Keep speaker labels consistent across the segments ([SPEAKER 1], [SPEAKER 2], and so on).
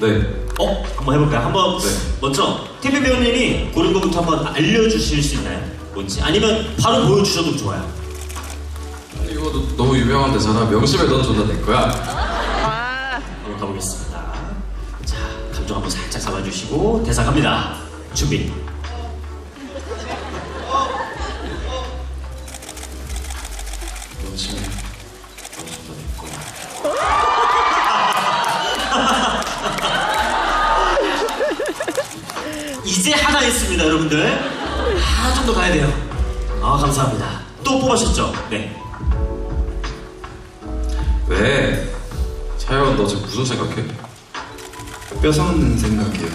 [SPEAKER 1] 네.
[SPEAKER 2] 한번 해볼까요? 한번
[SPEAKER 1] 네.
[SPEAKER 2] 먼저 TV 배우님이 고른 거부터 한번 알려주실 수 있나요? 뭔지 아니면 바로 보여주셔도 좋아요.
[SPEAKER 1] 이거 너무 유명한 대사라 명심해 넌 존나 내 거야.
[SPEAKER 2] 한번 가보겠습니다. 자, 감정 한번 살짝 잡아주시고 대사 갑니다. 준비.
[SPEAKER 1] 명심해 넌 존나 내 거야.
[SPEAKER 2] 이제 하나 있습니다, 여러분들. 하나 좀 더 가야 돼요. 감사합니다. 또 뽑으셨죠? 네.
[SPEAKER 1] 왜? 차영 너 지금 무슨 생각해?
[SPEAKER 3] 뼈 섞는 생각이에요.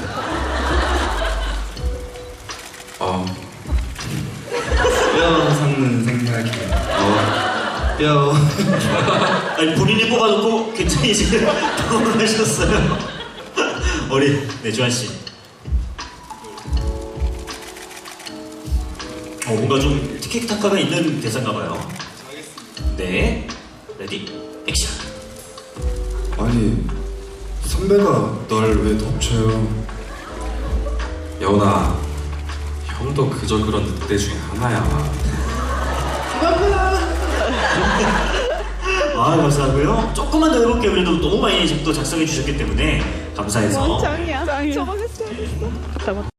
[SPEAKER 3] 뼈 섞는 생각이에요. 뼈.
[SPEAKER 2] 아니, 본인이 뽑아놓고 굉장히 지금 당황하셨어요. 우리 주한씨. 뭔가 좀 티키타카가 있는 대사인가봐요. 네, 레디, 액션.
[SPEAKER 3] 아니 선배가 널 왜 덮쳐요?
[SPEAKER 1] 여운아, 형도 그저 그런 늑대 중에 하나야.
[SPEAKER 2] 감사하고요. 조금만 더 해볼게요. 그래도 너무 많이 또 작성해 주셨기 때문에 감사해서.
[SPEAKER 4] 짱이야. 저거 했어야 됐어.